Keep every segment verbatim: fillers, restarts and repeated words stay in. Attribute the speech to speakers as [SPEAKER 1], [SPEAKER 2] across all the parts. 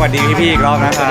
[SPEAKER 1] วัสดีพี่ๆอีกรอบนะครับ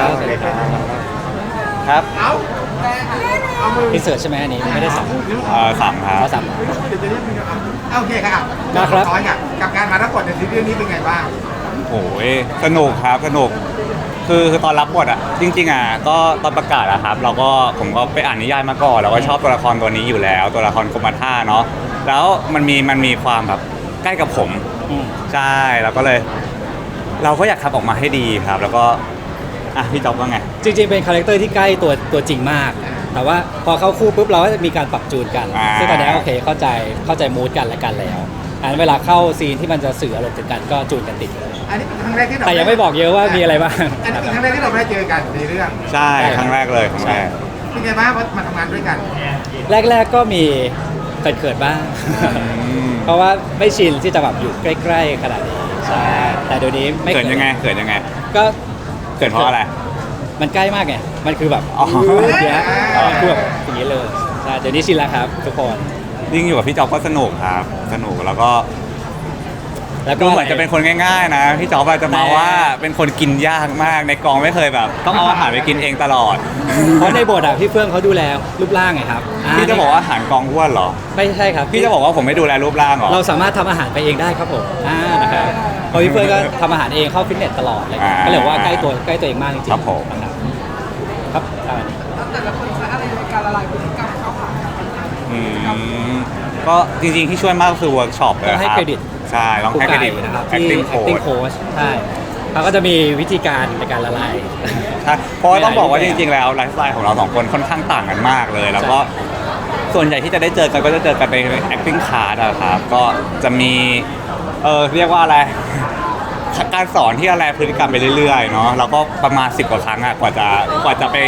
[SPEAKER 2] สวัสดีครับ
[SPEAKER 1] ครับ
[SPEAKER 2] อินเสิร์ตใช่ไหมอันนี้ไม่ได้สั่ง
[SPEAKER 1] เอ่อสามครับ
[SPEAKER 2] เขาสั่ง
[SPEAKER 3] โอเคครับ
[SPEAKER 2] ได้ครับ
[SPEAKER 3] ร้อยกับกับการมารับบทในซีรีส์นี้เป็นไงบ้าง
[SPEAKER 1] โอ้ยสนุกครับสนุกคือคือตอนรับบทอ่ะจริงๆอ่ะก็ตอนประกาศอะครับ เราก็ผมก็ไปอ่านนิยายมาก่อนเราก็ชอบตัวละครตัวนี้อยู่แล้ว ตัวละครกรมท่าเนาะแล้วมันมีมันมีความแบบใกล้กับผม
[SPEAKER 2] อืม
[SPEAKER 1] ใช่เราก็เลย เราก็อยากทำออกมาให้ดีครับ แล้วก็อ่ะพี่จ๊อบว่าไง
[SPEAKER 2] จริงๆเป็นคาแรคเตอร์ที่ใกล้ตัวตัวจริงมาก แต่ว่าพอเข้าคู่ปุ๊บเราก็จะมีการปรับจูนกัน
[SPEAKER 1] อ่า
[SPEAKER 2] ซึ่งตอนนี้โอเคเข้าใจเข้าใจมูดกันและกันแล้วอันนั้นเวลาเข้าซีนที่มันจะสื่ออารมณ์ถึงกันก็จูนกันติดเลย
[SPEAKER 3] อันนี้เป็นครั้งแรกที่เรา
[SPEAKER 2] แต่ยังไม่บอกเยอะว่ามีอะไรบ้าง
[SPEAKER 3] อันนี้เป็นครั้งแรกที่เราได้เจอกันในเรื่อง
[SPEAKER 1] ใช่ครั้งแรกเลยครั้งแรก
[SPEAKER 3] เป็นไงบ้างมาทำงานด้วยกัน
[SPEAKER 2] แรกๆก็มีเขินๆบ้าง
[SPEAKER 1] ม
[SPEAKER 2] เพราะว่าไม่ชินที่จะแบบอยู่ใกล้ๆขนาดนี้ใช่แต่เดี๋ยวนี้ไม่
[SPEAKER 1] เกิดยังไงเกิดยังไง
[SPEAKER 2] ก็
[SPEAKER 1] เกิดเพราะอะไร
[SPEAKER 2] มันใกล้มากไง มันคือแบบ
[SPEAKER 1] อ๋อ
[SPEAKER 2] เนี้ยมันคือแบบอย่างนี้เลยใช่เดี๋ยวนี้ชินแล้วครับทุกคน
[SPEAKER 1] ยิ่งอยู่กับพี่จ๊อบก็สนุกครับ สนุกแล้วก็
[SPEAKER 2] แล้วก็
[SPEAKER 1] ดูเหมือนจะเป็นคนง่ายๆนะพี่จ๊อบอาจจะมาว่าเป็นคนกินยากมากในกองไม่เคยแบบ ต้องเอาอาหารไปกินเองตลอด
[SPEAKER 2] เพราะในบทอ่ะพี่เฟื่องเขาดูแลรูปร่างไงครับ
[SPEAKER 1] พี่จะบอกว่าอาหารกองอ้วนเหรอ
[SPEAKER 2] ไม่ใช่ครับ
[SPEAKER 1] พี่จะบอกว่าผมไม่ดูแลรูปร่างเหรอ
[SPEAKER 2] เราสามารถทำอาหารไปเองได้ครับผมอ่านะครับเพราะพี่เฟื่องก็ทำอาหารเองเข้าฟิตเนสตลอดเลย
[SPEAKER 1] อ่า
[SPEAKER 2] ก็เลยว่าใกล้ตัวใกล้ตัวเองมากจริงๆ
[SPEAKER 1] ครับผม
[SPEAKER 2] นะครับครับประมาณนี้
[SPEAKER 4] แต่ละคนใช้อะไรในการละลายพฤติกรรมเข้าหากัน
[SPEAKER 1] อืมก็จริงๆที่ช่วยมากก็คือเวิร์กช็อปเลย
[SPEAKER 2] ต้องให้
[SPEAKER 1] ครับ
[SPEAKER 2] เครดิต
[SPEAKER 1] ใช่ต้อง
[SPEAKER 2] ครู
[SPEAKER 1] ให้เคร
[SPEAKER 2] ไก่
[SPEAKER 1] ดิต
[SPEAKER 2] นะครับที่
[SPEAKER 1] acting
[SPEAKER 2] acting
[SPEAKER 1] coach
[SPEAKER 2] coach ใช่เขาก็จะมีวิธีการในการละลาย
[SPEAKER 1] ใช่เพราะว่าต้องบอกว่า
[SPEAKER 2] ห
[SPEAKER 1] จ
[SPEAKER 2] ลายๆ
[SPEAKER 1] ริงๆแล้วไลฟ์สไตล์ของเราสองคนค่อนข้างต่างกันมากเลย แล้วก็ส่วนใหญ่ที่จะได้เจอกันก็จะเจอกันใน acting class อะครับ ก็จะมีเออเรียกว่าอะไร การสอนที่อะไรพฤติกรรมไปเรื่อยๆเนาะแล้วก็ประมาณสิบกว่าครั้งอะกว่าจะกว่าจะไป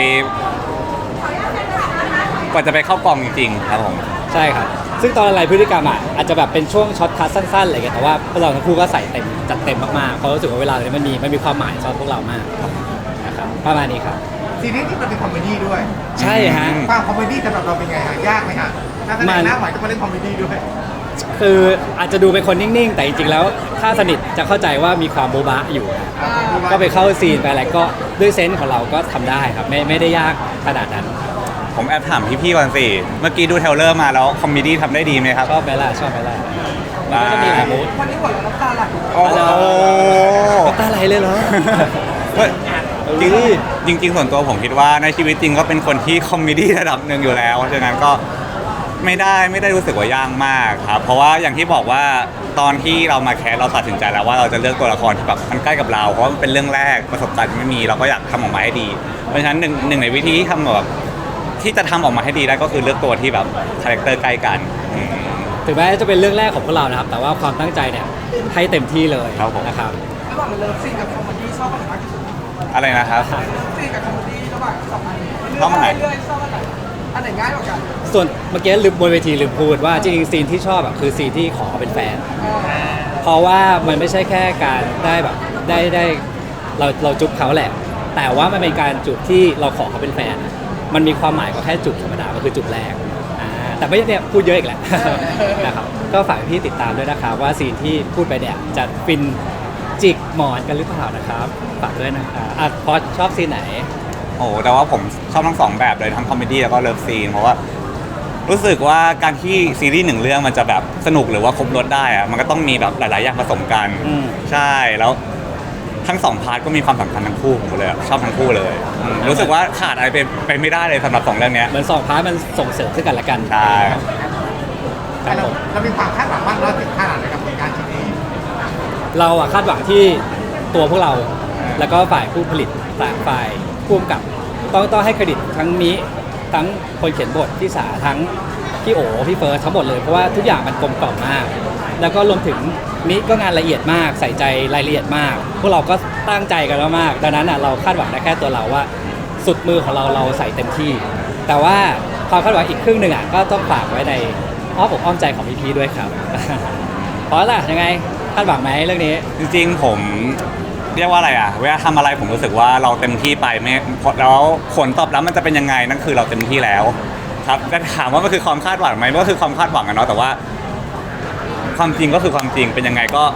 [SPEAKER 1] กว่าจะไปเข้ากองจริงๆครับผม
[SPEAKER 2] ใช่ครับ ซึ่งตอนละลายพฤติกรรมอ่ะอาจจะแบบเป็นช่วงช็อตคัทสั้นๆอะไรเงี้ยแต่ว่าพวกเราทั้งคู่ก็ใส่เต็มจัดเต็มมากๆเพราะรู้สึกว่าเวลาเนี่ยมันมีมันมีความหมายสำหรับพวกเรามากนะครับประมาณนี้ครับ
[SPEAKER 3] ซีรีส์ที่มันเป็นคอมเมดี้ด้วย
[SPEAKER 2] ใช่ฮะ
[SPEAKER 1] อืม
[SPEAKER 3] ความคอมเมดี้สำหรับเราเป็นไงฮะยากไหมฮะนักแสด
[SPEAKER 2] มั
[SPEAKER 3] ง
[SPEAKER 2] น
[SPEAKER 3] หน้าใหม่ต้องมาเล่นคอมเมดี้ด้วย
[SPEAKER 2] คืออาจจะดูเป็นคนนิ่งๆ แต่จริงๆแล้วถ้าสนิทจะเข้าใจว่ามีความโบ๊ะบะอยู่ ก็ไปเข้าซีนไปอะไรก็ด้วยเซนส์ของเราก็ทำได้ครับไม่ไม่ได้ยากขนาดนั้น
[SPEAKER 1] ผมแอบถามพี่ๆก่อนสิ เมื่อกี้ดูเทรลเลอร์มาแล้วคอมเมดี้ทำได้ดีไหมครับ
[SPEAKER 2] ชอบไหมล่ะชอบไหมล่ะมันก็จะมีหลายมูด
[SPEAKER 4] วันนี้หัวเราะน้ำตาไหล
[SPEAKER 1] โอ้โห
[SPEAKER 2] น้ำตาไหลเลยเหรอ
[SPEAKER 1] เฮ้ยจริงจริงๆส่วนตัวผมคิดว่าในชีวิตจริงก็เป็นคนที่คอมเมดี้ระดับหนึ่งอยู่แล้วเพราะฉะนั้นก็ไม่ได้ไม่ได้รู้สึกว่ายากมากครับ เพราะว่าอย่างที่บอกว่าตอนที่เรามาแคสเราตัดสินใจแล้วว่าเราจะเลือกตัวละครที่แบบมันใกล้กับเราเพราะมันเป็นเรื่องแรกประสบการณ์ไม่มีเราก็อยากทำออกมาให้ดี เพราะฉะนั้นหนึ่งหนึ่งในวิธีที่ทำแบบที่จะทำออกมาให้ดีได้ก็คือเลือกตัวที่แบบคาแรคเตอร์ใกล้กันอืม
[SPEAKER 2] ถึงแม้จะเป็นเรื่องแรกของพวกเรานะครับ แต่ว่าความตั้งใจเนี่ยให้เต็มที่เลย
[SPEAKER 1] ครับผม
[SPEAKER 2] นะครับ
[SPEAKER 4] ระหว่างเลิฟซีนกับคอมเมดี้ชอบอันไหนมากที่สุด
[SPEAKER 1] อะไรนะครับ
[SPEAKER 4] เลิฟซีนกับคอมเมดี้ระหว่างสองอันนี้
[SPEAKER 1] ชอบอันไหน
[SPEAKER 4] เรื่อยๆชอบอันไหนอันไหนง่ายกว่ากัน
[SPEAKER 2] ส่วนเมื่อกี้ลืมบนเวทีลืมพูดว่าจริงๆซีนที่ชอบอะคือซีนที่ขอเป็นแฟน เพราะว่ามันไม่ใช่แค่การได้แบบได้ได้เราเราจุ๊บเขาแหละ แต่ว่ามันเป็นการจุบที่เราขอเขาเป็นแฟน มันมีความหมายกว่าแค่จุบธรรมดามันคือจุบแรกอ่าแต่ไม่เนี่ยพูดเยอะอีกแหละ นะครับก็ฝากพี่ติดตามด้วยนะครับว่าซีนที่พูดไปเนี่ยจะฟินจิกหมอนกันหรือเปล่านะครับฝากด้วยนะครับอ่ะพอชอบซีนไหน
[SPEAKER 1] โอ้โหแต่ว่าผมชอบทั้งสองแบบเลยทั้งคอมเมดี้แล้วก็เลิฟซีนเพราะว่ารู้สึกว่าการที่ซีรีส์หนึ่งเรื่องมันจะแบบสนุกหรือว่าครบรสได้อะมันก็ต้องมีแบบหลาย ๆ อย่างผสมกัน
[SPEAKER 2] อืม
[SPEAKER 1] ใช่แล้วทั้งสองพาร์ทก็มีความสำคัญทั้งคู่ผมเลยอะชอบทั้งคู่เลยอืมรู้สึกว่าขาดอะไรไปไปไม่ได้เลยสำหรับสองเรื่องเนี้ย
[SPEAKER 2] เหมือนสองพาร์ทมันส่งเสริมซึ่งกันและกัน
[SPEAKER 1] ใช่
[SPEAKER 2] ครับ
[SPEAKER 3] เรา
[SPEAKER 2] ผม
[SPEAKER 3] เรามีความคาดหวังว่าเราถึงขนาดไหนกับผลงานชิ้นนี้
[SPEAKER 2] เราอะคาดหวังที่ตัวพวกเรา แล้วก็ฝ่ายผู้ผลิตต่างฝ่ายผู้กำกับต้องต้องให้เครดิตทั้งมิทั้งคนเขียนบทพี่สาทั้งพี่โอพี่เฟิร์สทั้งหมดเลยเพราะว่าทุกอย่างมันกลมกล่อมมาก แล้วก็รวมถึงมิก็งานละเอียดมากใส่ใจรายละเอียดมาก พวกเราก็ตั้งใจกันมากๆดังนั้นอะเราคาดหวังได้แค่ตัวเราว่า สุดมือของเราเราใส่เต็มที่ แต่ว่าความคาดหวังอีกครึ่งหนึ่งอะก็ต้องฝากไว้ในอ้อมอกอ้อมใจของพี่ๆด้วยครับ เพราะล่ะยังไงคาดหวังไหมเรื่องนี้
[SPEAKER 1] จริง ๆ ผมเรียกว่าอะไรอ่ะเวลาทำอะไรผมรู้สึกว่าเราเต็มที่ไปไม่แล้วผลตอบรับมันจะเป็นยังไงนั่นคือเราเต็มที่แล้ว ครับแต่ถามว่ามันคือความคาดหวังไหมมันก็คือความคาดหวังอะเนาะแต่ว่า ความจริงก็คือความจริงเป็นยังไงก็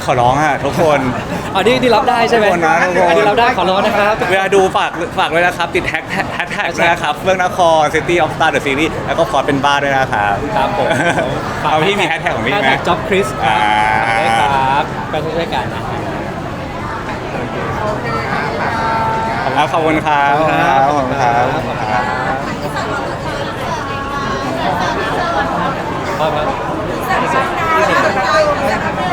[SPEAKER 1] ขอร้องอะทุกคน
[SPEAKER 2] อันนี้นี่รับได้ใช่ไหม
[SPEAKER 1] ทุกคนนะทุกคน
[SPEAKER 2] อันนี้รับได้ขอร้องนะครับ
[SPEAKER 1] เวลาดูฝากฝากด้วยนะครับ ติดแฮชแท็กแฮชแท็กด้วยนะครับเฟื่องนคร City of Star The Series แล้วก็ฟอร์ดเป็นบ้าด้วยนะครับ
[SPEAKER 2] ครับผม
[SPEAKER 1] เอาพี่มีแฮชแท็กของพี่ไหม
[SPEAKER 2] แฮชแท็กจ็อบคริสครับ
[SPEAKER 1] อ่า
[SPEAKER 2] ฝากด้วยครับก็ช่วยๆกันนะ
[SPEAKER 1] ขอบคุณครับ
[SPEAKER 2] ขอบคุณครับ
[SPEAKER 1] ขอบคุณครับ
[SPEAKER 2] ครับ
[SPEAKER 4] ได้